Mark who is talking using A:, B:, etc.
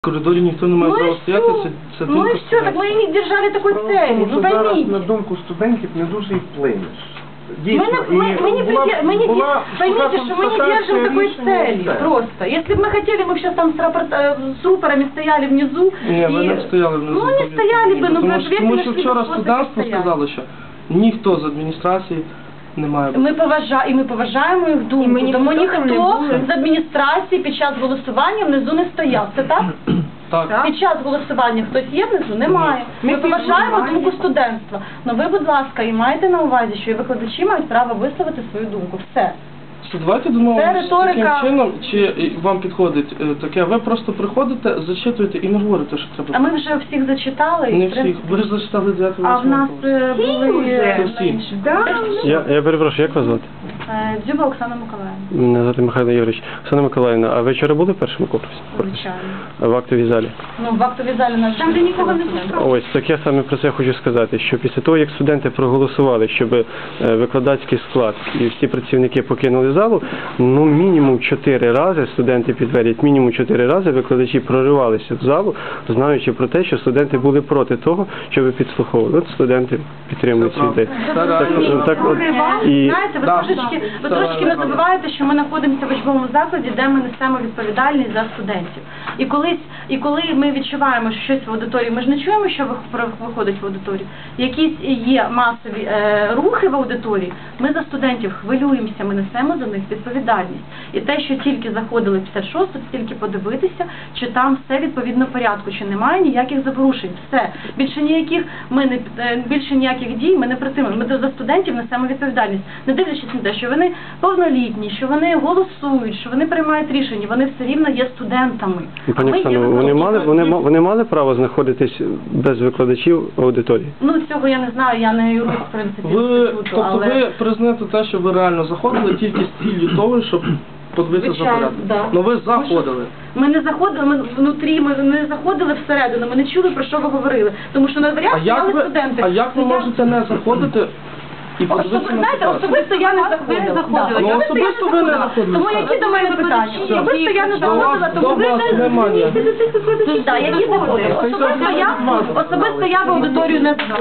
A: В коридоре никто не має права стояти, це
B: ну и все, так мы и не держали такой цели, ну поймите.
C: На думку студентів не дуже і вплинеш.
B: Мы не поймите, что мы не держим такой цели, просто. Если бы мы хотели, мы бы сейчас там с рупорами стояли внизу.
A: Ні, ви не стояли внизу.
B: Ну не стояли бы, ну
A: тому що вчора студентство сказало, що ніхто з адміністрації не має.
B: Ми поважаємо їх думку, тому ніхто з адміністрації під час голосування внизу не стояв. Це так?
A: Так.
B: Під час голосування хтось є внизу? Немає. Ми поважаємо думку студентства. Ну ви, будь ласка, і маєте на увазі, що і викладачі мають право висловити свою думку. Все.
A: Давайте домовимося таким чином, чи вам підходить таке, ви просто приходите, зачитуєте і не говорите, що треба.
B: А ми вже всіх зачитали.
A: Не всіх, ви ж зачитали 9-8.
B: А в нас були...
D: Я перепрошую, як вас звати?
B: Дзюба Оксана Миколаївна.
D: Мене звати Михайло Юрійович. Оксана Миколаївна, а ви вчора були в першому курсі?
B: Звичайно.
D: В актовій залі?
B: Ну, в актовій залі нас там, де нікого не пускали.
D: Ось, так я саме про це хочу сказати, що після того, як студенти проголосували, щоб викладацький склад і всі працівники покинули залу, ну мінімум 4 рази, студенти підтвердять, мінімум 4 рази викладачі проривалися в залу, знаючи про те, що студенти були проти того, щоб підслуховували. От студенти підтримують цю ідею.
B: Знаєте, ви трошки не забуваєте, що ми знаходимося в учбовому закладі, де ми несемо відповідальність за студентів. І коли ми відчуваємо, що щось в аудиторії, ми ж не чуємо, що виходить в аудиторію. Якісь є масові рухи в аудиторії, ми за студентів хвилюємося, ми несемо за них відповідальність. І те, що тільки заходили в 56-ту, тільки подивитися, чи там все відповідно порядку, чи немає ніяких запорушень. Все. Більше ніяких дій ми не притримуємо. Ми за студентів несемо відповідальність. Не дивлячись на те, що вони повнолітні, що вони голосують, що вони приймають рішення, вони все рівно є студентами.
D: Пані Оксано, вони мали право знаходитись без викладачів в аудиторії?
B: Ну, цього я не знаю, я не юрист, в принципі, інституту, але...
A: Тобто ви признаєте те, що ви реально заходили тільки з ціллю того, щоб подивитися за порядок?
B: Да.
A: Ну ви заходили.
B: Ми не заходили, ми внутрі, ми не заходили всередину, ми не чули, про що ви говорили. Тому що на дверях стояли студенти.
A: А як ви можете не заходити і подивитися на ситуацію?
B: Особисто я не заходила.
A: Ну, особисто ви не заходили.
B: Тому які до мене питання? Особисто я не заходила, тому ви
A: немає.
B: Які заходили? Особисто я в аудиторію не заходила.